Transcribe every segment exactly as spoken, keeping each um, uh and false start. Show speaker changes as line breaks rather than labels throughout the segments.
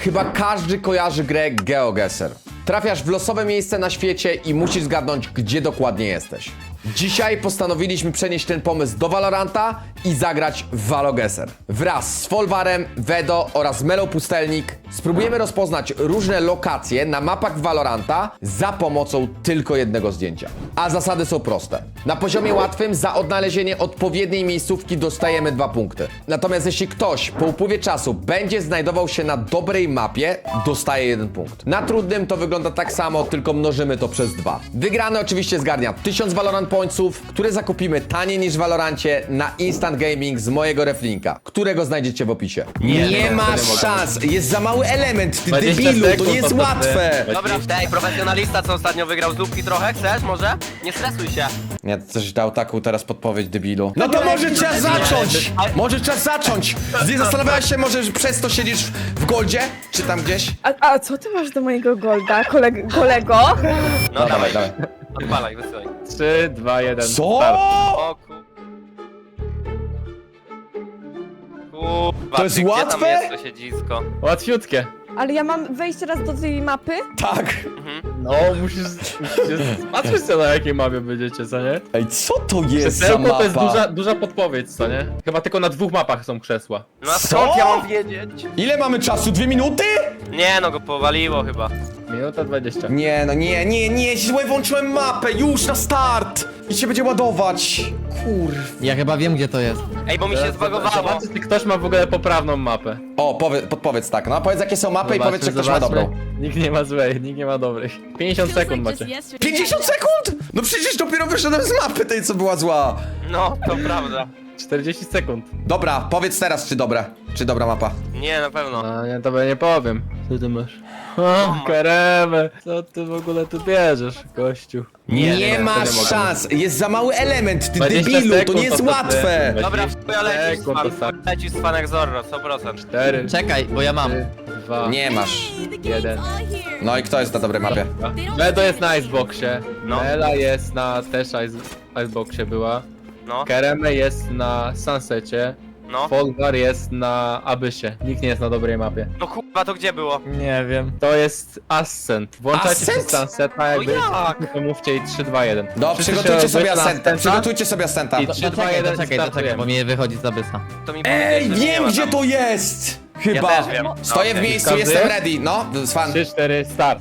Chyba każdy kojarzy grę GeoGuessr. Trafiasz w losowe miejsce na świecie i musisz zgadnąć, gdzie dokładnie jesteś. Dzisiaj postanowiliśmy przenieść ten pomysł do Valoranta i zagrać w ValoGuessr. Wraz z Folwarem, Vedo oraz Melo Pustelnik spróbujemy rozpoznać różne lokacje na mapach Valoranta za pomocą tylko jednego zdjęcia. A zasady są proste. Na poziomie łatwym za odnalezienie odpowiedniej miejscówki dostajemy dwa punkty. Natomiast jeśli ktoś po upływie czasu będzie znajdował się na dobrej mapie, dostaje jeden punkt. Na trudnym to wygląda tak samo, tylko mnożymy to przez dwa. Wygrany oczywiście zgarnia tysiąc Valorant Pointsów, które zakupimy taniej niż w Valorancie na Instant Gaming z mojego reflinka, którego znajdziecie w opisie. Nie, nie masz szans, jest za mały element, ty debilu, to nie jest łatwe.
Dobra, tej profesjonalista, co ostatnio wygrał z lubki trochę, chcesz może? Nie stresuj się.
Nie, to coś dał taką teraz podpowiedź, debilu. No to może trzeba zacząć! Może trzeba zacząć! Nie zastanawiałeś się może, że przez to siedzisz w Goldzie? Czy tam gdzieś?
A, a co ty masz do mojego Golda, koleg kolego?
No dawaj,
dawaj.
odpalaj, wysyłaj.
trzy, dwa, jeden.
Co?
Start.
O ku... Kurwa,
To jest
ty, gdzie
łatwe?
tam jest to siedzisko?
Łatwiutkie.
Ale ja mam wejść teraz do tej mapy?
Tak.
No, musisz, musisz patrzeć co na jakiej mapie będziecie, co nie?
Ej, co to jest za
Krzesełko
mapa?
to jest duża, duża podpowiedź, co nie? Chyba tylko na dwóch mapach są krzesła.
No a
Co?
skąd ja mam wiedzieć?
Ile mamy czasu? Dwie minuty?
Nie no, go powaliło chyba.
Minuta dwadzieścia.
Nie, no nie, nie, nie, źle włączyłem mapę, już na start! I się będzie ładować. Kurw.
Ja chyba wiem, gdzie to jest.
Ej, bo mi się zbagowało.
Zobaczcie, czy ktoś ma w ogóle poprawną mapę.
O, powie, podpowiedz tak, no powiedz jakie są mapy i powiedz, czy ktoś ma
zobaczmy.
dobrą.
Nikt nie ma złej, nikt nie ma dobrych. pięćdziesiąt sekund macie.
pięćdziesiąt sekund? No przecież dopiero wyszedłem z mapy tej, co była zła.
No, to prawda.
czterdzieści sekund.
Dobra, powiedz teraz, czy dobra, czy dobra mapa.
Nie, na pewno.
No nie, tobie nie powiem. Co ty masz? O, karemę. Co ty w ogóle tu bierzesz, gościu?
Nie,
nie, to
masz
nie mogę.
szans, jest za mały element, ty
dwadzieścia
debilu, to
sekund
nie jest
to
łatwe.
ty.
Dobra, chuja lecisz z
Sekund, to
fan,
tak.
lecisz z fanek Zorro, sto procent.
cztery,
Czekaj, bo ja mam.
trzy, dwa,
Nie masz.
jeden.
No i kto jest na dobrej mapie?
Medo jest na Iceboxie.
No.
Mela jest na też ice, Iceboxie była.
No,
Kereme jest na Sunsecie.
no.
Folgar jest na Abysie. Nikt nie jest na dobrej mapie.
No kurwa, to gdzie było?
Nie wiem. To jest Ascent. Włączajcie się
Ascent?
Sunseta, jak
No
będziecie,
jak?
to mówcie i trzy, dwa, jeden.
No,
Wszyscy
przygotujcie
się
sobie
odbyć na
ascenta,
Ascenta
przygotujcie sobie ascenta.
I
To,
trzy,
to
dwa,
czekaj,
jeden,
to czekaj, to czekaj,
startujemy.
bo mnie wychodzi z abysa.
To mi
Ej,
powiedzieć, że nie
wiem
ma
gdzie
tam.
to jest!
Ja
Chyba.
też wiem.
Stoję w
Okej.
miejscu,
Każdy?
jestem ready, no, z fan.
trzy, cztery, start.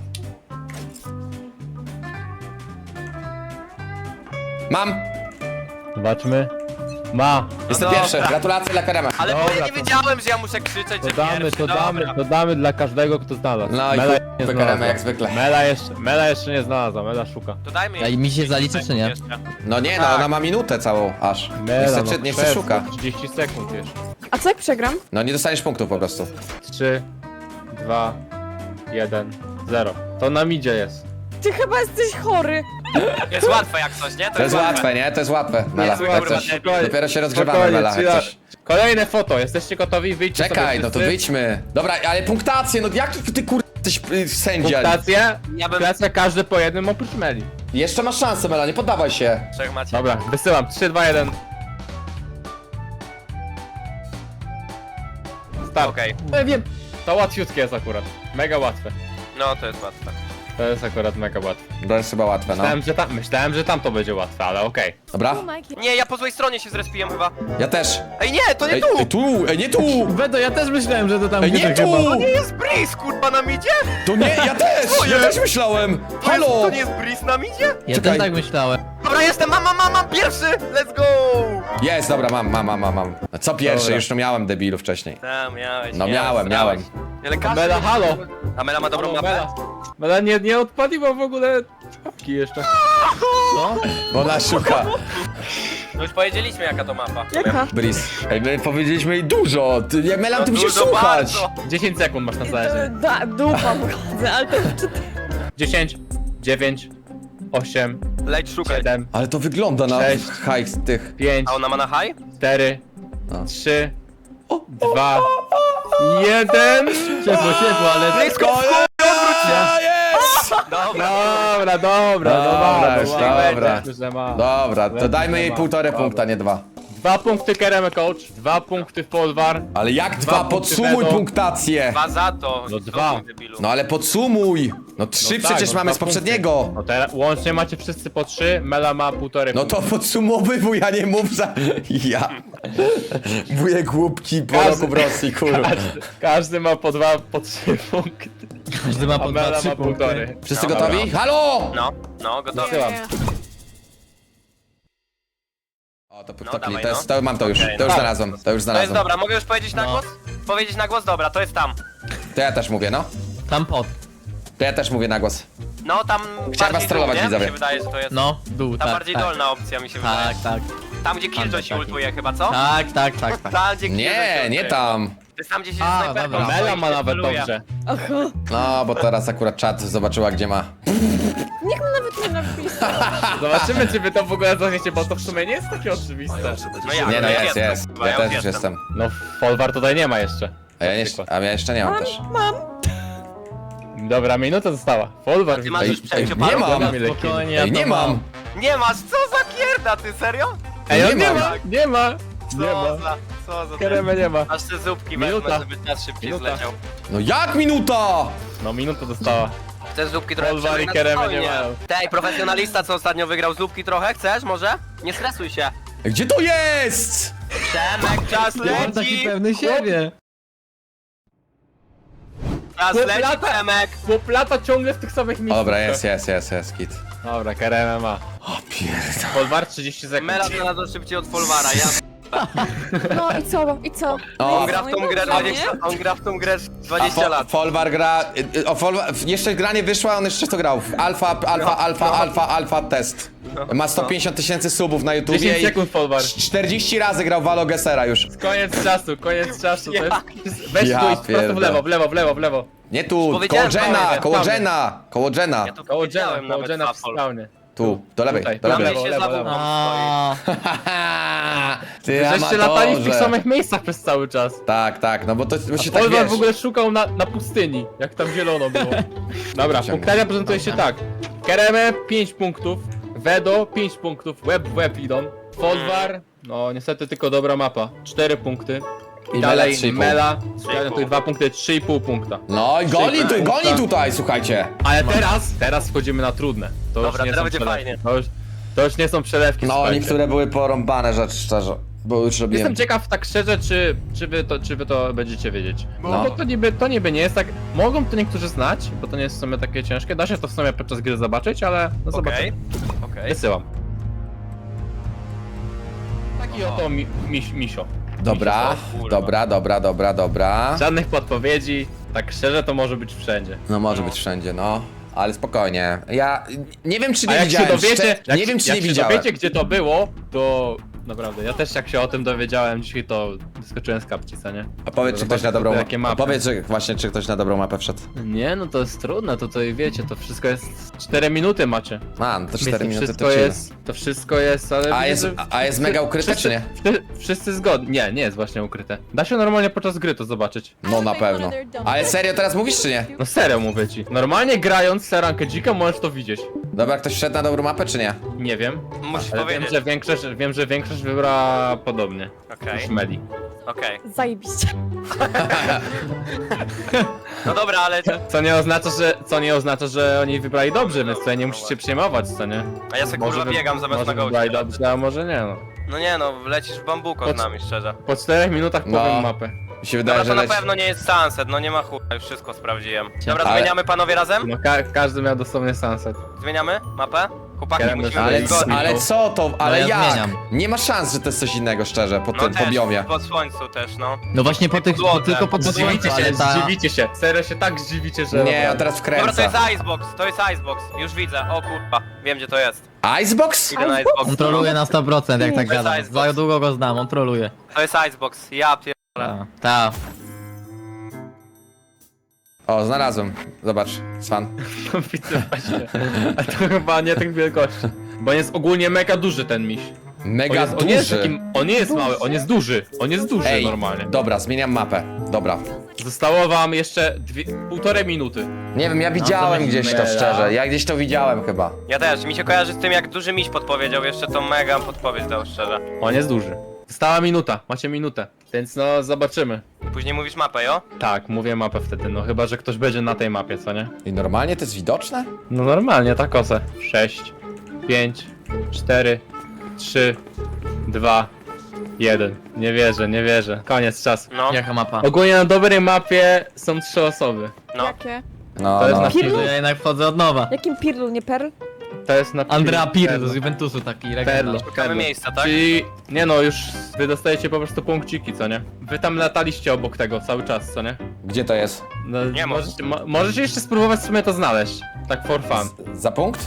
Mam,
Zobaczmy. Ma.
jestem
No
pierwszy,
dobra.
gratulacje dla Karema.
Ale bo
Dobra,
ja nie
to-
wiedziałem, że ja muszę krzyczeć,
To
że
damy,
pierwszy.
to damy,
Dobra.
to damy dla każdego, kto znalazł.
No i
Mela
chuj,
nie
Karema
znalazła.
jak zwykle.
Mela jeszcze, Mela jeszcze nie znalazła, Mela szuka.
To dajmy
A i mi się zaliczy, czy nie?
jeszcze.
No nie, no
Tak.
ona ma minutę całą aż. Nie
Mela,
chce,
no
nie chce
przez,
szuka.
trzydzieści sekund jeszcze.
A co jak przegram?
No nie dostaniesz punktów po prostu.
trzy, dwa, jeden, zero. To na midzie jest.
Ty chyba jesteś chory.
Jest łatwe jak coś, nie?
To jest łatwe, nie? To jest łatwe, Mela.
Jest
Jak
kurwa,
coś.
debil.
Dopiero się rozgrzewamy,
Spokojnie,
Mela, jak
chwila.
coś.
Kolejne foto, jesteście gotowi? Wyjdźcie
Czekaj,
sobie
no to
wszyscy.
wyjdźmy. Dobra, ale punktację, no jaki ty kur... jesteś y, sędzia?
Punktację,
Ja bym-
punktację każdy po jednym oprócz Meli.
Jeszcze masz szansę, Mela, nie poddawaj się.
Trzech macie.
Dobra, wysyłam, trzy, dwa, jeden. Start.
Okej.
Ja wiem. To łatwiutkie jest akurat, mega łatwe.
No, to jest łatwe.
To jest akurat mega łatwe.
To jest chyba łatwe, no.
Myślałem, że tam, myślałem, że tam to będzie łatwe, ale okej.
Dobra?
Nie, ja po złej stronie się zrespiłem chyba.
Ja też.
Ej, nie, to nie
Ej,
tu!
ej, tu, ej, nie tu!
Wedo, ja też myślałem, że to tam
Ej, nie tu!
To nie jest Breeze, kurwa, na midzie?
To nie, ja też! Ja też myślałem!
To jest-
Halo!
To nie jest Breeze na midzie?
Ja
Czekaj.
też tak myślałem.
Dobra, jestem, mam, mam, mam, mam pierwszy! Let's go!
Jest, dobra, mam, mam, mam, mam, mam. No co pierwszy?
Dobra.
Już no miałem debilu wcześniej.
Tam, miałeś,
No
miałeś,
miałem,
miałeś.
miałem.
Ale każdy...
Mela, halo!
A Mela ma dobrą
Halo,
mapę?
Mela. Mela nie, nie odpaliła w ogóle czapki jeszcze.
Co?
Bo ona szuka.
No już powiedzieliśmy jaka to mapa.
Jaka?
Breeze. Ej, my powiedzieliśmy jej dużo. Ty, nie, Mela, ty
No
musisz
dużo
słuchać.
bardzo.
dziesięć sekund masz na zależenie.
Da, dupa wychodzę, ale to czy ty...
dziesięć, dziewięć, osiem,
Leć szukaj.
siedem,
Ale to wygląda na
Cześć.
hajs tych.
pięć,
A ona ma na high?
cztery,
No.
trzy, dwa, jeden.
Ciepło, ciepło, ale...
Blisko,
A, jest!
Dobra.
Dobra, dobra,
Dobra,
dobra,
już,
dobra.
dobra.
Że ma.
Dobra, to
Ledwo
dajmy jej
ma.
półtorej
Dobra.
punkta, nie dwa.
Dwa punkty Kereme Coach, dwa punkty Folwar.
Ale jak
Dwa
dwa?
punkty
Podsumuj
Bedo.
punktację!
Dwa za to.
No
Co
dwa.
ty, debilu?
No ale podsumuj! No trzy
No tak,
przecież
no
mamy
dwa
z poprzedniego!
No teraz łącznie macie wszyscy po trzy, Mela ma półtorej
No to podsumowywuj, a nie mów za... Ja. Wujek łupki po
Każdy-
roku w Rosji, kurwa.
Każdy, każdy ma po dwa, po trzy punkty.
Każdy ma
A
po dwa,
Mela
trzy
ma
punkty.
półtorej.
Wszyscy
No,
gotowi?
dobra.
Halo!
No, no, gotowy.
Wysyłam.
O, to, to,
No,
to,
dawaj,
to, jest,
no.
to mam to już,
Okej,
to już
no.
znalazłem, to już
To jest
znalazłem.
dobra, mogę już powiedzieć na
No.
głos? Powiedzieć na głos? Dobra, to jest tam.
To ja też mówię, no.
Tam pod.
To ja też mówię na głos.
No, tam
was
bardziej
trollować,
dół, nie? Mi
widzowie.
się wydaje, że to jest...
No, dół,
Ta
tak,
bardziej
tak.
dolna opcja mi się wydaje.
Tak, tak.
Tam gdzie Killjoy
Tam
się
taki.
ultuje chyba, co?
Tak, tak, tak, tak.
Tam gdzie Killjoy się
Nie,
ultuje.
nie tam.
To jest tam gdzie się
A,
snajperką
dobra.
stoi i
Mela ma
się
nawet
celuje.
dobrze.
Aha.
No, bo teraz akurat czat zobaczyła, gdzie ma.
Niech mu nawet nie napisał.
Zobaczymy, czy wy to w ogóle zachniecie, bo to w sumie nie jest takie oczywiste.
No jak?
Nie no,
ja
jest,
jestem,
jest.
kurwa,
Ja też
już
już jestem.
No, Folwar tutaj nie ma jeszcze.
A ja,
Na
nie,
przykład.
a ja jeszcze nie mam
Mam,
też.
mam.
Dobra, minuta została. Folwar
Ty masz już
Ej,
przeciwparów?
nie mam.
Dobra, Milek.
Spokojnie, ja
Ej,
to
nie mam.
Nie masz, co za kierda, ty serio?
Ej,
Nie
on nie
mam.
ma, nie ma,
Co
nie ma.
za, co za...
Kereme nie ma.
Aż te zupki
Minuta.
wezmę, żeby czas szybciej
Minuta.
zleciał.
No jak minuta?
No, minuta została.
Chcesz zupki trochę
Folwar i
przemyć na
Kereme
spokojnie.
nie mają.
Tej, profesjonalista, co ostatnio wygrał zupki trochę, chcesz może? Nie stresuj się.
Gdzie to jest?
Przemek, czas
On taki
leci!
pewny siebie.
Czas
Chłop
leci,
lata.
Przemek!
Chłop lata ciągle w tych samych miejscach.
Dobra, jest, jest, jest, jest, kit.
Dobra, Kereme ma.
O pierdol.
Folwar trzydzieści sekund.
Mela znalazła szybciej od Folwara, ja...
No i co? I co?
O,
On gra w tą grę dwadzieścia, on gra w tą grę
A
dwadzieścia
Fo
lat.
Folwar gra... y, y, O, Folwar... Jeszcze gra nie wyszła, on jeszcze to grał. Alfa, alfa,
No,
alfa,
no.
alfa, alfa test.
No,
Ma sto pięćdziesiąt tysięcy subów na YouTubie
dziesięć
i
sekund, Folwar.
czterdzieści razy grał Valo Gessera już.
Koniec czasu, koniec czasu. To jest... Weź
Ja
tu idź prosto w
pierdolę.
lewo, w lewo, w lewo, w lewo.
Nie tu, koło
Powiedziałem,
Jena,
panowie,
koło
tam.
Jena, koło Jena.
Ja tu
Koło
powiedziałem
Jena, koło
nawet
Jena w
Safol.
spawnie.
Tu, do lewej,
Tutaj,
do
do
Tam
lewej.
gdzie
lewo,
się
lewo,
za
lewo.
wupą stoi.
A,
Ty
Żeście latali w tych
amatorze.
samych miejscach przez cały czas.
Tak, tak, no bo to bo się tak
Folwar
wiesz.
w ogóle szukał na, na pustyni, jak tam zielono było. Dobra,
Ciągle.
punktacja prezentuje się tak. Kereme pięć punktów, Vedo pięć punktów, Web w Web idą. Folwar, no niestety tylko dobra mapa, cztery punkty.
I
Dalej
Mela trzy i pół.
Mela,
trzy i pół.
tutaj dwa punkty, trzy i pół punkta.
No i goni, tu,
Punkta.
goni tutaj, słuchajcie.
Ale teraz, teraz wchodzimy na trudne. To
Dobra,
już nie
teraz
są
będzie
przelewki.
fajnie.
To już, to już nie są przelewki,
No,
słuchajcie.
niektóre były porąbane, rzecz szczerze. Bo już robiłem.
Jestem ciekaw tak szczerze, czy, czy, wy to, czy wy to będziecie wiedzieć. Bo,
No.
bo to, niby, to niby nie jest tak. Mogą to niektórzy znać, bo to nie jest w sumie takie ciężkie. Da się to w sumie podczas gry zobaczyć, ale no
Okej,
zobaczymy.
okej.
Wysyłam. Taki oto mi, miś, misio.
Dobra,
Kurwa.
dobra, dobra, dobra, dobra.
Żadnych podpowiedzi, tak szczerze to może być wszędzie.
No może być wszędzie, no. Ale spokojnie. Ja nie wiem czy
A
nie
jak się
widziałem.
dowiecie,
szczer-
jak,
nie wiem czy
jak
nie
się
widziałem.
dowiecie gdzie to było, to naprawdę, ja też jak się o tym dowiedziałem dzisiaj, to wyskoczyłem z kapci, co nie?
A powiedz czy ktoś
Zobaczcie
na dobrą
sobie, jakie
mapę.
mapy.
Powiedz że właśnie czy ktoś na dobrą mapę wszedł.
Nie, no to jest trudne, to tutaj wiecie, to wszystko jest cztery minuty macie.
A, no to
Więc
cztery
to
minuty
wszystko
to chill.
jest, to wszystko jest, ale...
A
widzę,
jest,
że
a jest
wszyscy-
mega ukryte czy nie?
Wszyscy, wszyscy zgodni. Nie, nie jest właśnie ukryte. Da się normalnie podczas gry to zobaczyć.
No na pewno. Ale serio teraz mówisz czy nie?
No serio mówię ci. Normalnie grając Serankę Dzika możesz to widzieć.
Dobra, ktoś wszedł na dobrą mapę czy nie?
Nie wiem,
Musisz
ale wiem,
powiedzieć.
że większość, wiem, że większość wybrała podobnie.
Okej,
Niż Meli.
okej.
Zajebiście.
No dobra, ale...
Co nie oznacza, że, co nie oznacza, że oni wybrali dobrze, więc tutaj nie musicie przejmować, co nie?
A ja sobie kurwa
wy-
biegam zamiast
może
na
wybrali
gołcie.
dobrze, a może nie no.
No nie no, lecisz w bambuko z
Pod-
nami, szczerze.
Po czterech minutach
No.
powiem mapę.
Mi się wydaje,
Dobra, to
że
na
leci.
pewno nie jest sunset, no nie ma chuja, już wszystko sprawdziłem. Dobra,
Ale-
zmieniamy panowie razem?
No ka każdy miał dosłownie sunset.
Zmieniamy mapę? Chłopaki,
Kerem
musimy
Ale,
być
c-
zgodni.
ale co to? Ale
ja
jak?
zmieniam.
Nie ma szans, że to jest coś innego szczerze, po
No
tym
też,
poziomie.
po słońcu też, no.
no właśnie po tych, po,
Złote.
tylko po
Zdziwicie
słońcu,
się,
ale ta...
zdziwicie się. Serio się tak zdziwicie, że...
Nie, on teraz
Dobra, to
wkręca.
jest Icebox, to jest Icebox, już widzę, o kurwa, wiem gdzie to jest.
Icebox?
Idę na Icebox.
On troluje na sto procent jak tak
To jest
gada.
Icebox.
Za długo go znam, on troluje.
To jest Icebox, ja pier...
Ta, ta.
O, znalazłem. Zobacz, Swan.
No widzę właśnie. A to chyba nie tych wielkości. Bo jest ogólnie mega duży ten miś. On,
Mega
jest, on, nie jest
duży.
takim, on nie jest mały, on jest duży. On jest duży
Ej,
normalnie.
dobra, zmieniam mapę. Dobra.
Zostało wam jeszcze dwie, półtorej minuty.
Nie wiem, ja widziałem
to
gdzieś to
mega.
szczerze. Ja gdzieś to widziałem chyba.
Ja też, mi się kojarzy z tym jak duży miś podpowiedział, jeszcze to mega podpowiedź dał szczerze.
On jest duży. Stała minuta, macie minutę, więc no zobaczymy.
Później mówisz mapę, jo?
Tak, mówię mapę wtedy, no chyba, że ktoś będzie na tej mapie, co nie?
I normalnie to jest widoczne?
No normalnie, tak osę. sześć, pięć, cztery, trzy, dwa, jeden. Nie wierzę, nie wierzę. Koniec czasu.
No,
Jaka mapa?
Ogólnie na dobrej mapie są trzy osoby.
no.
Jakie?
No,
To jest
no.
na
Pirlu?
To ja jednak wchodzę od nowa.
Jakim Pirlu, nie Perl?
To jest na
Andrea Pirlo
Perlo.
z Juventusu, taki
Perlo.
regional.
Szukamy miejsca, tak?
Czyli, nie no, już wy dostajecie po prostu punkciki, co nie? Wy tam lataliście obok tego cały czas, co nie?
Gdzie to jest?
No,
Nie ma.
możecie, mo możecie jeszcze spróbować w sumie to znaleźć. Tak for fun.
Z, za punkt?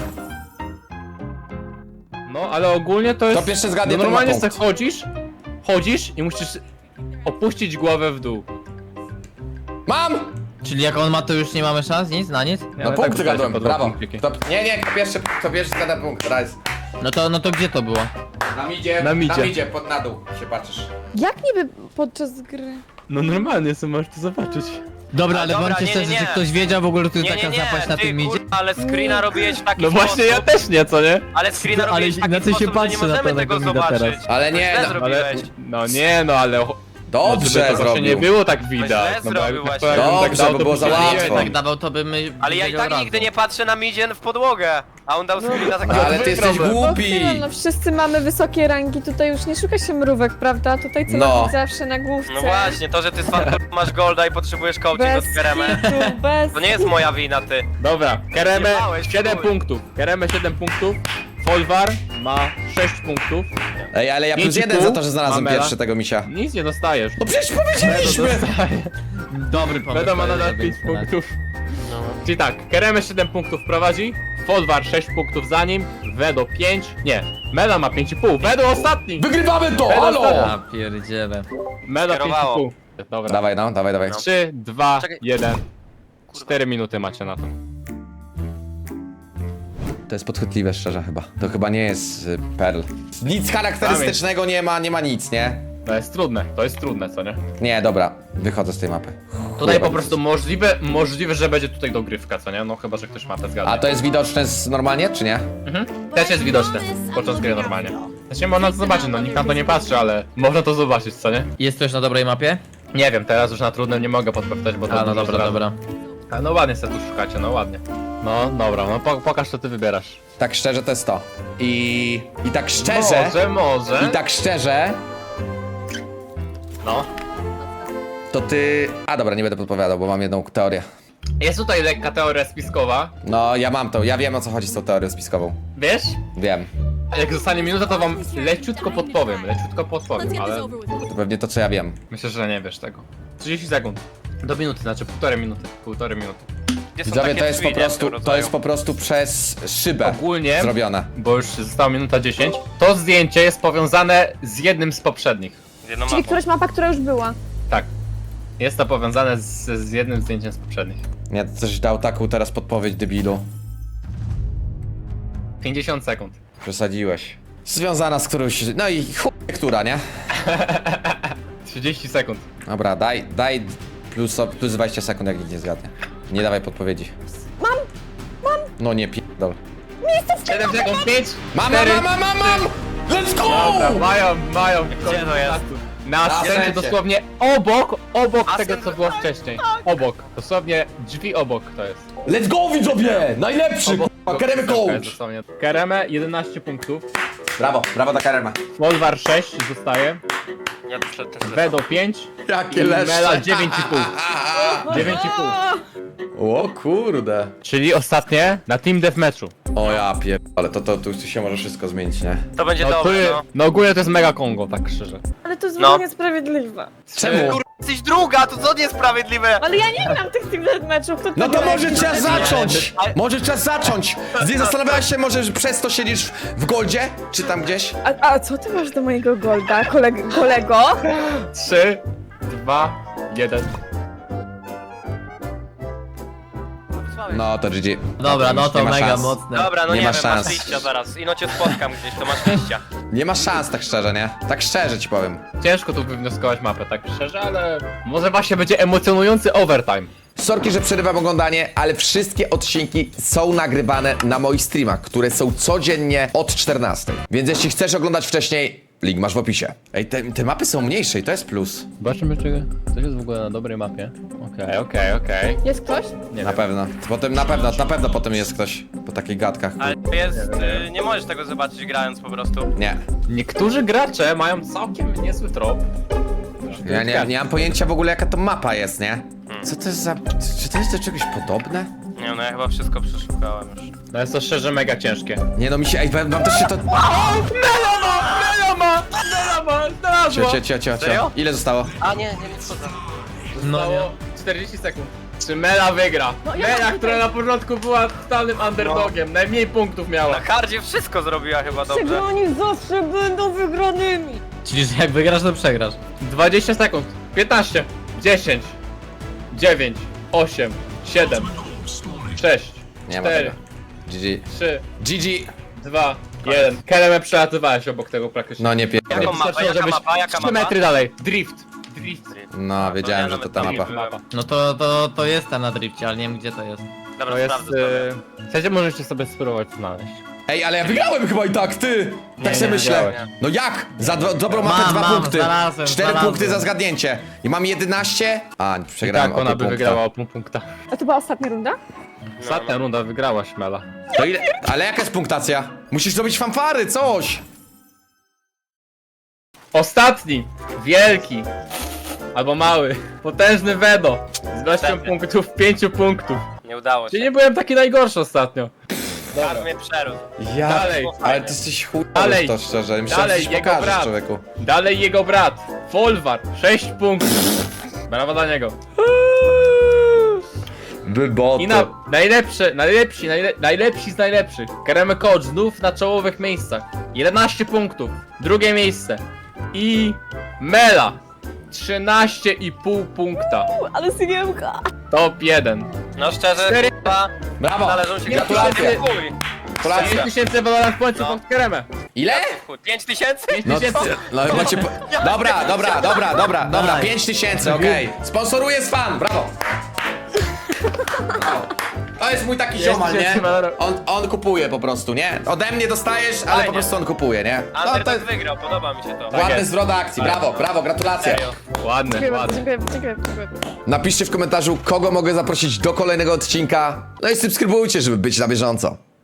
No, ale ogólnie to jest...
To pierwszy zgadnie,
no,
to ma
normalnie
punkt.
sobie chodzisz, chodzisz i musisz opuścić głowę w dół.
Mam!
Czyli jak on ma, to już nie mamy szans? Nic? Na nic?
Nie,
No
ale
punkt
tak
zgadłem,
po dwa
brawo.
punkciki.
To, nie, nie, kto pierwszy, kto pierwszy zgada punkt, raz.
No to, no to gdzie to było?
Na midzie,
Na midzie.
na midzie, pod na dół się patrzysz.
Jak niby podczas gry?
No normalnie sobie możesz to zobaczyć.
Dobra, ale
dobra,
bądźcie
nie,
szczerzy,
nie,
czy
nie.
ktoś wiedział w ogóle, że tu jest
Nie,
taka
nie, nie,
zapaść na
ty
tym idzie?
kurwa, ale screena robiłeś w taki
No właśnie, ja
sposób,
też nie, co nie?
ale screena
Ale
robiłeś w taki
inaczej się
sposób, że nie
patrzy na
możemy
to,
tego
tego mida
zobaczyć.
teraz.
Ale
To
nie,
źle
no,
zrobiłeś.
Ale, no nie, no ale...
Dobrze
żeby to właśnie
zrobił.
nie było tak
źle
widać. No, bo
zrobił
jak-
właśnie.
jakbym
Dobrze,
dał,
bo
to
było
by
za
się
łatwo.
nie-
Tak dawał, to by my
Ale ja i
wiedział
tak
razu.
nigdy nie patrzę na midzie w podłogę, a on dał screena tak
No, ale ty jesteś
problem.
głupi.
No, no wszyscy mamy wysokie rangi, tutaj już nie szuka się mrówek, prawda? Tutaj celownik
No.
zawsze na główce.
No właśnie, to, że ty z fanką masz golda i potrzebujesz coaching
Bez
od Keremy,
kitu, bez
to nie jest moja wina, ty.
Dobra, Kereme
Zjebałeś,
siedem
chuj.
punktów. Kereme siedem punktów. Folwar ma sześć punktów.
Ej, ale ja
Pięć
plus
i
jeden
pół.
za to, że znalazłem
Mamela.
pierwszy tego misia.
Nic nie dostajesz.
No przecież powiedzieliśmy!
Dobry pomysł.
Będą ma
to jest,
nadal
żeby
pięć
nie
punktów. Czyli tak, Kereme siedem punktów prowadzi, Folwar sześć punktów za nim, Wedo pięć, nie, Mela ma pięć i pół, Wedo ostatni!
Wygrywamy to,
Ej,
halo!
Ja pierdzielę.
Mela pięć i
Skierowało.
pół. Dobra.
Dawaj no, dawaj, dawaj.
trzy, dwa,
Czekaj.
jeden. cztery minuty macie na to.
To jest podchwytliwe szczerze chyba. To chyba nie jest y, Perl. Nic charakterystycznego nie ma, nie ma nic, nie?
To jest trudne, to jest trudne, co nie?
Nie, dobra, wychodzę z tej mapy.
Tutaj
Chujowa.
po prostu możliwe, możliwe, że będzie tutaj dogrywka, co nie? No chyba, że ktoś ma te zgadnie.
A to jest widoczne z normalnie, czy nie?
Mhm. Też jest widoczne podczas gry normalnie. Znaczy można to zobaczyć, no nikt na to nie patrzy, ale można to zobaczyć, co nie?
Jest ktoś na dobrej mapie?
Nie wiem, teraz już na trudnym nie mogę podpowiadać, bo to
A, no
dużo
dobra,
zdradzę.
dobra.
Ale no ładnie se tu szukacie, no ładnie. No dobra, no po, pokaż co ty wybierasz.
Tak szczerze to jest to. I... I tak szczerze...
Może, może.
I tak szczerze...
No.
To ty... A dobra, nie będę podpowiadał, bo mam jedną teorię.
Jest tutaj lekka teoria spiskowa.
No, ja mam to, ja wiem o co chodzi z tą teorią spiskową.
Wiesz?
Wiem.
A jak zostanie minuta, to wam leciutko podpowiem, leciutko podpowiem, ale
To pewnie to, co ja wiem.
myślę, że nie wiesz tego. trzydzieści sekund. Do minuty, znaczy półtorej minuty. Półtorej minuty.
Gdzie są
Widzowie,
takie
to jest po
drzwi, nie, w
prostu,
tym
to jest
rodzaju?
po prostu przez szybę
Ogólnie,
zrobione.
bo już została minuta dziesięć, to zdjęcie jest powiązane z jednym z poprzednich.
Z jedną
Czyli
mapą.
któraś mapa, która już była.
Tak. Jest to powiązane z, z jednym zdjęciem z poprzednich.
Nie, coś dał taką teraz podpowiedź, debilu.
pięćdziesiąt sekund.
Przesadziłeś. Związana z którąś... No i chuj, która, nie?
trzydzieści sekund.
Dobra, daj, daj plus, plus dwadzieścia sekund, jak nikt nie zgadnie. Nie dawaj podpowiedzi. Mam! Mam! No nie pierdol.
siedem sekund, pięć,
Mam,
cztery,
mam, mam, mam, mam! Let's
Dobra,
go!
mają, mają.
Gdzie to jest?
Na
Na
scenie
scencie.
dosłownie obok, obok
A
tego
scen-
co było wcześniej. Obok, dosłownie drzwi obok to jest.
Let's go, widzowie! Najlepszy,
Obok,
k***a, Keremy
to jest
coach!
dosłownie. Kereme jedenaście punktów,
Brawo, brawo dla Kerema.
Wolvar sześć zostaje,
Ja też, też, też.
Wedo pięć,
Jakie
i
leszcze.
Mela dziewięć i pół. dziewięć i pół.
O kurde.
Czyli ostatnie na Team Deathmatchu.
O ja pier... Ale to, to tu się może wszystko zmienić, nie?
To będzie
No, tu,
dobre,
je-
no.
no ogólnie to jest mega Kongo, tak szczerze.
Ale to jest
No.
no. niesprawiedliwe.
Czemu?
Kurwa, jesteś druga, to co niesprawiedliwe?
Ale ja nie gram tych team meczów, kto
No to
gra?
może trzeba zacząć!
Ale-
Może trzeba zacząć! Nie zastanawiałeś się może, że przez to siedzisz w Goldzie? Czy tam gdzieś?
A, a co ty masz do mojego golda, koleg kolego?
trzy, dwa, jeden.
No to G G.
Dobra, no
nie
to
ma
mega
szans.
mocne.
Dobra, no
Nie
nie,
ma
wiem,
szans.
masz liścia zaraz. Ino cię spotkam gdzieś, to masz liścia.
Nie ma szans tak szczerze, nie? Tak szczerze ci powiem.
Ciężko tu wywnioskować mapę, tak szczerze, ale może właśnie będzie emocjonujący overtime.
Sorki, że przerywam oglądanie, ale wszystkie odcinki są nagrywane na moich streamach, które są codziennie od czternastej. Więc jeśli chcesz oglądać wcześniej, Link masz w opisie. Ej, te, te mapy są mniejsze i to jest plus.
Zobaczymy, czy coś jest w ogóle na dobrej mapie. Okej, okej, okej.
Jest ktoś?
Nie
Na
wiem.
pewno. Potem na pewno, na pewno potem jest ktoś po takich gadkach.
Ale to jest, y, nie możesz tego zobaczyć grając po prostu.
Nie.
Niektórzy gracze mają całkiem niezły trop.
Ja nie, nie mam pojęcia w ogóle jaka to mapa jest, nie? Co to jest za... Czy to jest do czegoś podobne?
Nie no, ja chyba wszystko przeszukałem już.
No jest to szczerze mega ciężkie.
Nie no mi się... Ej, wam też się to...
Meloma! Meloma! Meloma! Znalazła!
Cio, cio, cio, cio, cio.
Serio?
Ile zostało?
A nie, nie wiem co za...
No nie.
Zostało czterdzieści sekund. Czy Mela wygra?
No, ja
Mela,
mam
która
tutaj-
na początku była totalnym underdogiem, najmniej punktów miała.
Na hardzie wszystko zrobiła chyba dobrze.
Czego oni zawsze będą wygranymi?
Czyli, że jak wygrasz, to przegrasz.
dwadzieścia sekund. piętnaście. dziesięć. dziewięć. osiem. siedem. sześć.
Nie ma
cztery.
tego. G G.
trzy.
G G.
dwa. jeden. Keremę przelatywałeś obok tego praktycznie.
No nie pier...
Jaką mapę,
Wystarczyło,
jaka
żebyś
mapa, jaka
trzy
mapa?
metry dalej. Drift. Drift.
No, wiedziałem,
ja
że to
nawet
ta
tam nie
mapa.
byłem.
No to, to, to jest ta na drifcie, ale nie wiem gdzie to jest.
Dobra,
To jest...
sprawdzę sobie.
Yy... Chcecie, możecie sobie spróbować znaleźć.
Ej, ale ja wygrałem chyba i tak, ty! Tak
Nie,
sobie
nie,
myślę.
nie.
No jak? Za do, dobrą mapę
Mam,
dwa
mam,
punkty.
znalazłem,
Cztery
znalazłem.
punkty za zgadnięcie. I mam jedenaście. A,
I
przegrałem
tak,
o
ona
pół
by
punkta.
wygrała o pół punkta.
A to była ostatnia runda?
Ostatnia runda wygrała Śmela.
To ile? Ale jaka jest punktacja? Musisz zrobić fanfary, coś!
Ostatni, wielki, albo mały, potężny Wedo z ilością
Następny.
punktów, pięciu punktów.
Nie udało się.
Czyli nie byłem taki najgorszy ostatnio.
Kar mnie przerósł.
Ja...
Dalej.
Ale ty jesteś chujowy
Dalej.
w to szczerze. Myślałem,
Dalej,
że coś
jego
pokażesz,
brat.
człowieku.
Dalej jego brat, Folwar, sześć punktów. Brawa dla niego.
Wyboty.
I na najlepsze, najlepsi, najle, najlepsi z najlepszych. Karemy Coach znów na czołowych miejscach. jedenaście punktów. Drugie miejsce. I Mela. trzynaście i pół punkta.
U, ale sygiemka.
Top jeden.
No szczerze,
Cztery.
chyba
Brawo!
należą się
Gratulacje!
gratulacje.
pięć
Gratulacje!
tysięcy Valorant pońców
No.
pod Karemę.
Ile?
pięć tysięcy?
No, ty, no chyba cię po... Dobra, dobra, dobra, dobra, dobra,
Daj.
pięć tysięcy, okej. Sponsoruje z fan, brawo! Brawo. To jest mój taki ziomal, nie?
tysięcy dolarów.
On, on kupuje po prostu, nie? Ode mnie dostajesz, ale
Fajnie.
po prostu on kupuje, nie? No, to
Underdog
jest
wygrał, podoba mi się to.
ładny
jest.
zwrot akcji, brawo, brawo, gratulacje.
Serio.
Ładny,
Dziękuję bardzo,
ładny.
dziękuję, dziękuję, dziękuję.
Napiszcie w komentarzu, kogo mogę zaprosić do kolejnego odcinka. No i subskrybujcie, żeby być na bieżąco.